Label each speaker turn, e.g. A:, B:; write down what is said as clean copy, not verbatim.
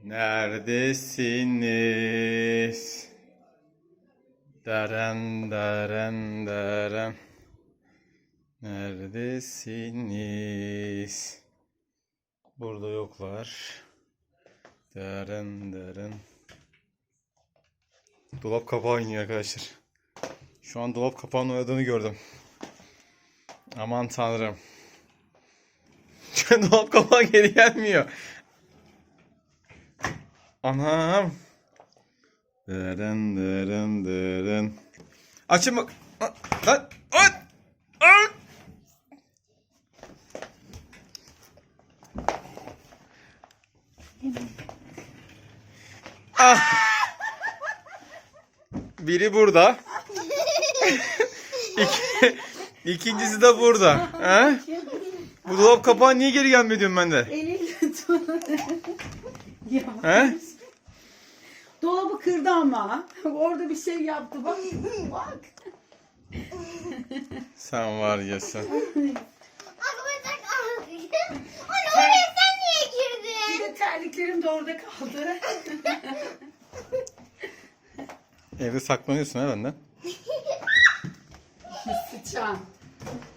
A: Neredesiniz? Deren deren deren. Neredesiniz? Burada yoklar. Deren deren. Dolap kapağı oynuyor arkadaşlar. Şu an dolap kapağının oynadığını gördüm. Aman tanrım. Dolap kapağı geri gelmiyor. Anam. Deren deren deren. Açın bak. Lan. Lan. Lan. Ah. Biri burada. İkincisi de burada. He? Bu dolap kapağı niye geri gelmiyor diyorum ben de.
B: Eliyle tut.
A: He?
B: Dolabı kırdı ama. Orada bir şey yaptı. Bak. Bak.
A: Sen var ya sen.
C: Anne oraya sen niye girdin?
B: Bir de terliklerim de orada kaldı.
A: Evde saklanıyorsun ha benden.
B: Sıçan.